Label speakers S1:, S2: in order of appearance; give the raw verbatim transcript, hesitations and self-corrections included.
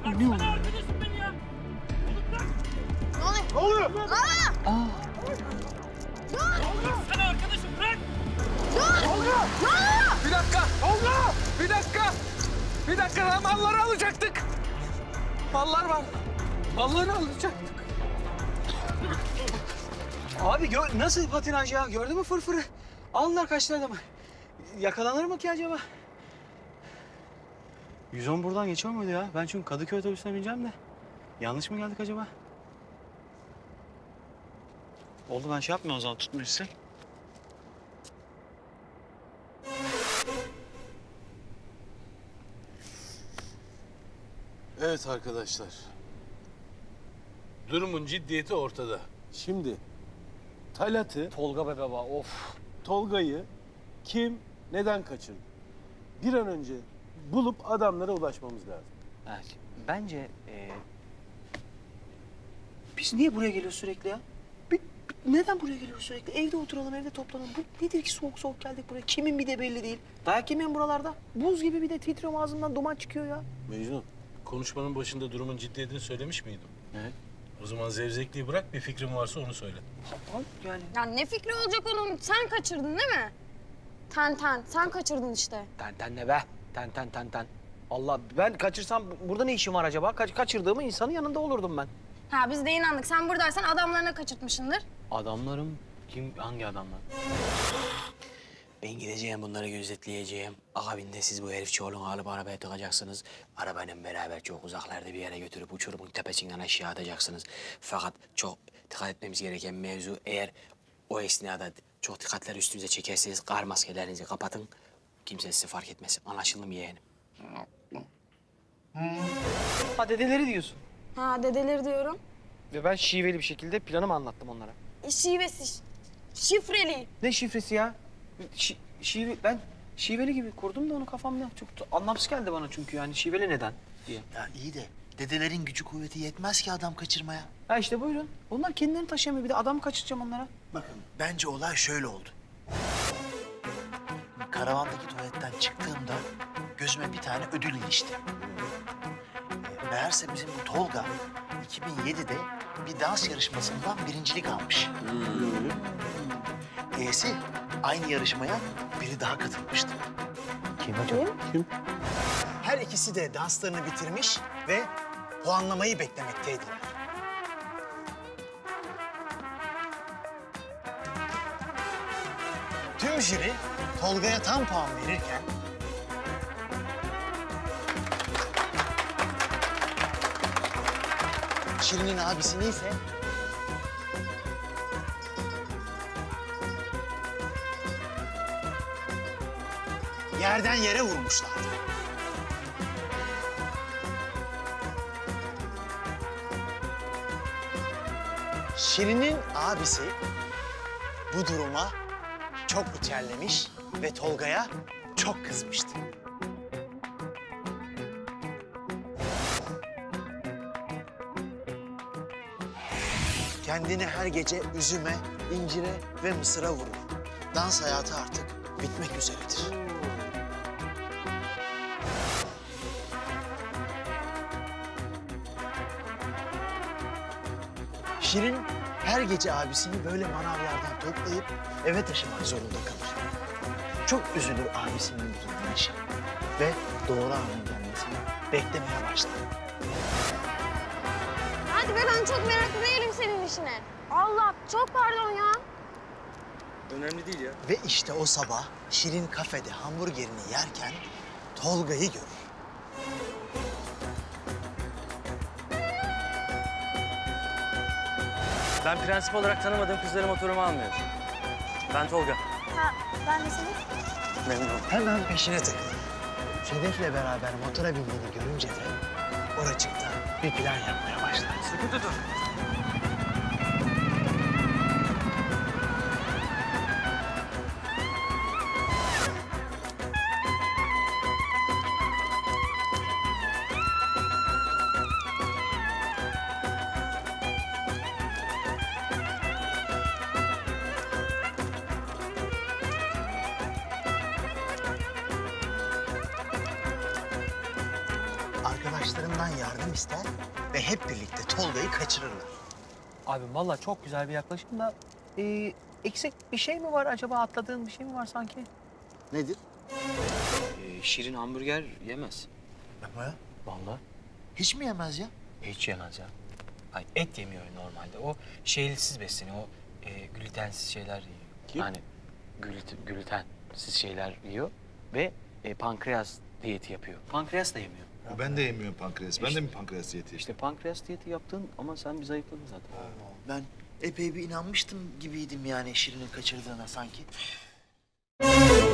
S1: Ne oluyor?
S2: Arkadaşım beni ya.
S3: Ne oluyor?
S4: Ne oluyor?
S3: Aa!
S1: Aa,
S2: Sana arkadaşım bırak.
S4: Bir dakika. Tolga! Bir dakika. Bir dakika lan malları alacaktık. Mallar var. Malları alacaktık. Abi gör, nasıl patinaj ya? Gördün mü fırfırı? Aldılar kaçtı adamı. Yakalanır mı ki acaba? yüz on buradan geçiyor muydu ya? Ben çünkü Kadıköy otobüsüne bineceğim de. Yanlış mı geldik acaba? Oldu ben şey yapmıyorum o zaman tutmayacağım.
S5: Evet arkadaşlar. Durumun ciddiyeti ortada. Şimdi Talat'ı,
S4: Tolga be baba of.
S5: Tolga'yı kim, neden kaçırdı? Bir an önce bulup adamlara ulaşmamız lazım.
S4: Evet, bence e, biz niye buraya geliyoruz sürekli ya? Bir, bir- neden buraya geliyoruz sürekli? Evde oturalım, evde toplanalım. Bu nedir ki soğuk soğuk geldik buraya? Kimin bir de belli değil. Dayak yemeyin buralarda. Buz gibi bir de titriyorum ağzımdan duman çıkıyor ya.
S5: Mecnun, konuşmanın başında durumun ciddiyetini söylemiş miydim?
S4: Evet.
S5: O zaman zevzekliği bırak, bir fikrin varsa onu söyle.
S4: Al yani.
S3: Ya ne fikri olacak onun? Sen kaçırdın değil mi? Ten ten. Sen kaçırdın işte.
S4: Ten ten ne be? Ten ten ten ten. Allah ben kaçırsam burada ne işim var acaba? Kaç, kaçırdığımı insanın yanında olurdum ben.
S3: Ha biz de inandık. Sen buradaysan adamlarına kaçırtmışsındır.
S4: Adamlarım kim? Hangi adamlar? Ben gideceğim bunları gözetleyeceğim. Akabinde siz bu herif çoğulunu alıp arabaya tıkacaksınız. Arabayla beraber çok uzaklarda bir yere götürüp uçurumun tepesinden aşağı atacaksınız. Fakat çok dikkat etmemiz gereken mevzu eğer o esnada çok dikkatleri üstünüze çekerseniz kar maskelerinizi kapatın. Kimse sizi fark etmesin. Anlaşıldı mı yeğenim? Ha dedeleri diyorsun.
S3: Ha dedeleri diyorum.
S4: Ve ben şiveli bir şekilde planımı anlattım onlara.
S3: E, şivesi. Şifreli.
S4: Ne şifresi ya? Şi, şive, ben şiveli gibi kurdum da onu kafamda. Çok da anlamsız geldi bana çünkü yani şiveli neden diye.
S6: Ya iyi de dedelerin gücü kuvveti yetmez ki adam kaçırmaya.
S4: Ha işte buyurun. Onlar kendilerini taşıyamıyor. Bir de adam kaçıracağım onlara.
S6: Bakın bence olay şöyle oldu. Karavandaki tuvaletten çıktığımda gözüme bir tane ödül ilişti. Ee, Meğerse bizim bu Tolga iki bin yedide bir dans yarışmasından birincilik almış. E'si aynı yarışmaya biri daha katılmıştı.
S4: Kim acaba?
S6: Her ikisi de danslarını bitirmiş ve puanlamayı beklemekteydiler. Tüm jüri Tolga'ya tam puan verirken Şirin'in abisini ise yerden yere vurmuşlardı. Şirin'in abisi bu duruma çok içerlemiş ve Tolga'ya çok kızmıştı. Kendini her gece üzüme, incire ve mısıra vurur. Dans hayatı artık bitmek üzeredir. Şirin her gece abisini böyle manavlardan toplayıp eve taşımak zorunda kalır. Çok üzülür abisinin bu durumuna Şirin ve doğru anın gelmesini beklemeye başlar.
S3: Hadi be ben çok meraklı değilim senin işine. Allah çok pardon ya.
S4: Önemli değil ya.
S6: Ve işte o sabah Şirin kafede hamburgerini yerken Tolga'yı görür.
S7: Ben prensip olarak tanımadığım kızları motoruma almıyorum. Ben Tolga.
S3: Ha ben de seni.
S7: Memnun oldum.
S6: Hemen peşine takılır. Sedef'le beraber motora bindiğini görünce de oracıkta bir plan yapmaya başlar.
S4: Sıkı tutun.
S6: arkadaşlarından yardım ister ve hep birlikte Tolga'yı kaçırırlar.
S4: Abi vallahi çok güzel bir yaklaşım da e, eksik bir şey mi var acaba, atladığın bir şey mi var sanki?
S6: Nedir?
S4: E, şirin hamburger yemez.
S6: Yapma ya.
S4: Vallahi
S6: Hiç mi yemez ya?
S4: hiç yemez ya. Ay, et yemiyor normalde. O şeylisiz besleniyor. O e, glutensiz şeyler yiyor.
S5: Kim?
S4: Yani gluten, glutensiz şeyler yiyor ve e, pankreas diyeti yapıyor. Pankreas da yemiyor.
S1: Ben de yemiyorum pankreas. Ben de mi pankreas diyeti?
S4: İşte pankreas diyeti yaptın ama sen bir zayıfladın zaten.
S6: Ben epey bir inanmıştım gibiydim yani Şirin'in kaçırdığına sanki.